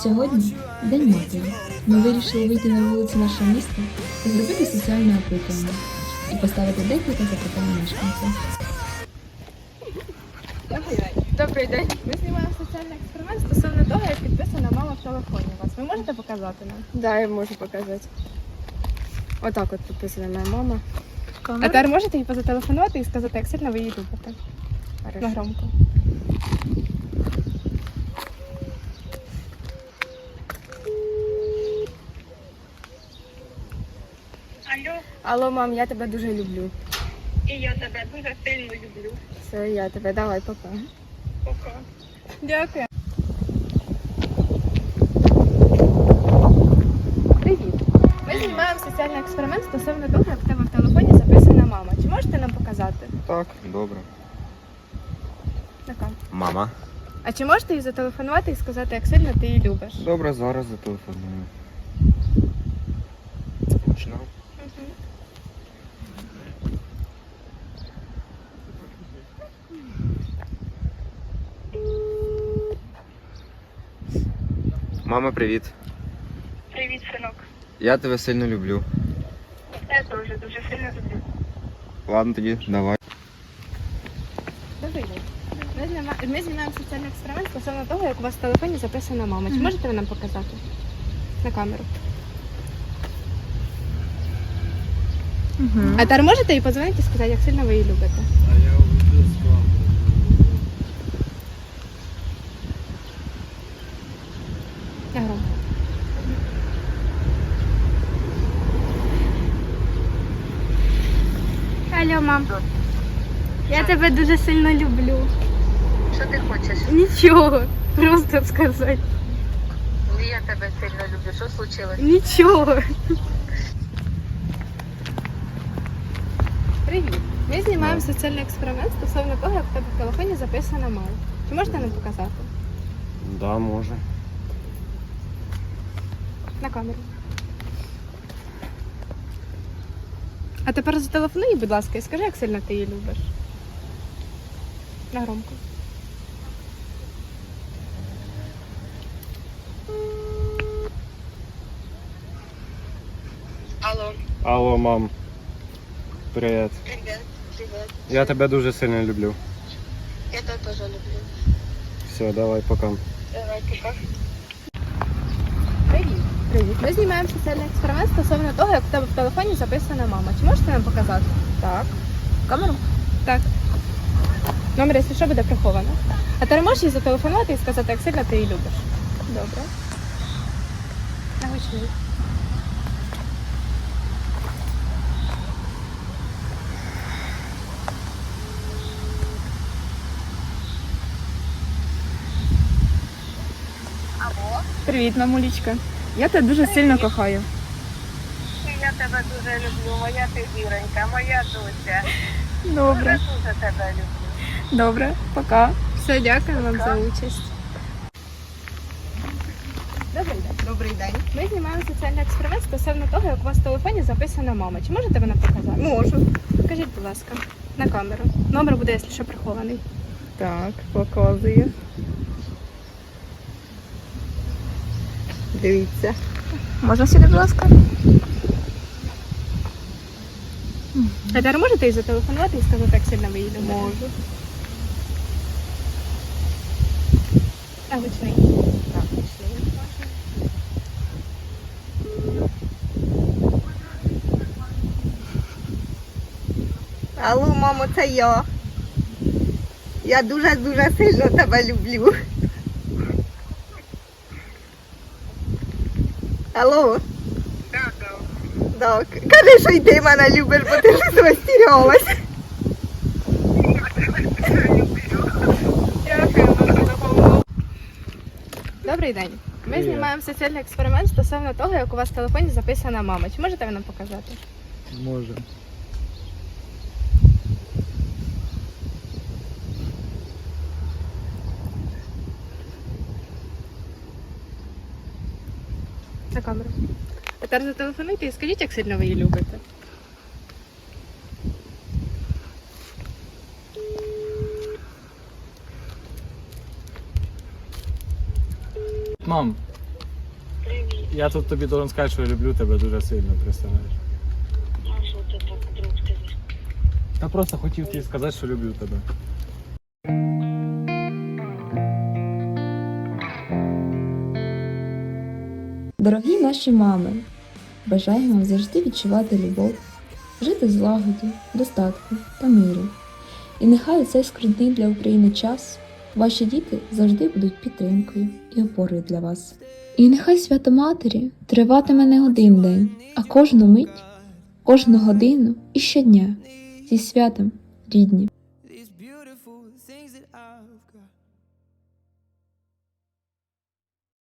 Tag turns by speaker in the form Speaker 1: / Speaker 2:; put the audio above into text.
Speaker 1: Сьогодні День матері. Ми вирішили вийти на вулиці нашого міста та зробити соціальне опитування і поставити декілька запитань мешканцям.
Speaker 2: Добрий день. Ми знімаємо соціальний експеримент стосовно того, як підписана мама в телефоні у вас. Ви можете показати нам?
Speaker 3: Да, я можу показати. Отак от підписана моя мама.
Speaker 2: А тепер можете їй позателефонувати і сказати, як сильно ви її любите? На громко.
Speaker 4: Алло,
Speaker 3: Алло, мам, я тебе дуже люблю.
Speaker 4: і я тебе дуже сильно люблю.
Speaker 3: Все, я тебе. Давай, пока.
Speaker 4: Пока.
Speaker 2: Дякую. Привіт. Ми знімаємо соціальний експеримент стосовно того, як в тебе в телефоні записана мама. Чи можете нам показати?
Speaker 5: Так, добре.
Speaker 2: Така.
Speaker 5: Мама.
Speaker 2: А чи можете їй зателефонувати і сказати, як сильно ти її любиш?
Speaker 5: Добре, зараз зателефоную. Починав. Мама, привіт.
Speaker 4: Привіт, синок.
Speaker 5: Я тебе сильно люблю.
Speaker 4: Я теж дуже сильно люблю.
Speaker 5: Ладно тоді, давай.
Speaker 2: Добрий день. Ми знімаємо соціальний експеримент стосовно того, як у вас в телефоні записана мама. Чи можете ви нам показати? На камеру. А тепер можете їй подзвонити і сказати, як сильно ви її любите?
Speaker 6: А я увидел с вами.
Speaker 2: Я громко.
Speaker 7: Алло, мам. Я тебе дуже сильно люблю.
Speaker 4: Що ти хочеш?
Speaker 7: Нічого. Просто сказати.
Speaker 4: Я тебе сильно люблю. Що случилось?
Speaker 7: Нічого.
Speaker 2: Привіт. Ми знімаємо соціальний експеримент стосовно того, як в тебе в телефоні записана мама. Чи можете нам показати?
Speaker 5: Да, може.
Speaker 2: На камеру. А тепер зателефонуй їй, будь ласка, і скажи, як сильно ти її любиш. На громко.
Speaker 4: Алло.
Speaker 5: Алло, мам. Привіт.
Speaker 4: Привіт. Привіт.
Speaker 5: Я тебе дуже сильно люблю.
Speaker 4: Я тебе теж люблю.
Speaker 5: Все, давай, пока.
Speaker 4: Давай, пока.
Speaker 2: Привіт. Привіт. Ми знімаємо соціальний експеримент стосовно того, як в тебе в телефоні записана мама. Чи можете нам показати? Так. Камеру? Так. Номер, якщо що, буде приховано. А ти можеш їй зателефонувати і сказати, як сильно ти її любиш? Добре. На гучний.
Speaker 4: Алло.
Speaker 7: Привіт, мамулечка. Я тебе дуже сильно кохаю.
Speaker 4: Я тебе дуже люблю. Моя ти зіронька, моя доця.
Speaker 7: Добре,
Speaker 4: Дуже тебе люблю.
Speaker 7: добре, пока.
Speaker 2: Все, дякую вам за участь. Добрий день.
Speaker 3: Добрий день.
Speaker 2: Ми знімаємо соціальний експеримент стосовно того, як у вас в телефоні записана мама. Чи можете ви нам показати?
Speaker 3: Можу.
Speaker 2: Покажіть, будь ласка, на камеру. Номер буде, якщо що, прихований.
Speaker 3: Так, показую. Дивіться.
Speaker 7: Можна сюди, будь ласка?
Speaker 2: А тепер можете їй зателефонувати і сказати, як сильно ви її любите?
Speaker 3: Можу.
Speaker 2: А гучний.
Speaker 3: Так, пішли.
Speaker 8: Алло, мамо, це я. Я дуже-дуже сильно тебе люблю. Алло,
Speaker 4: Так,
Speaker 8: так. Кажи, що й ти мене любиш, бо ти щось розтірялась.
Speaker 2: Дякую вам за допомогу. Добрий день. Ми знімаємо соціальний експеримент стосовно того, як у вас в телефоні записана мама. Чи можете ви нам показати?
Speaker 6: Може.
Speaker 2: На камеру. А тепер зателефонуйте і скажіть, як сильно ви її любите.
Speaker 6: Мам, Я тут тобі должен сказати, що я люблю тебе дуже сильно, представляєш.
Speaker 4: А що ти так вдруг сказав?
Speaker 6: Та просто хотів тобі сказати, що люблю тебе.
Speaker 1: Дорогі наші мами, бажаємо вам завжди відчувати любов, жити в злагоді, достатку та мирі. І нехай у цей скрутний для України час ваші діти завжди будуть підтримкою і опорою для вас. І нехай свято Матері триватиме не один день, а кожну мить, кожну годину і щодня. Зі святом, рідні!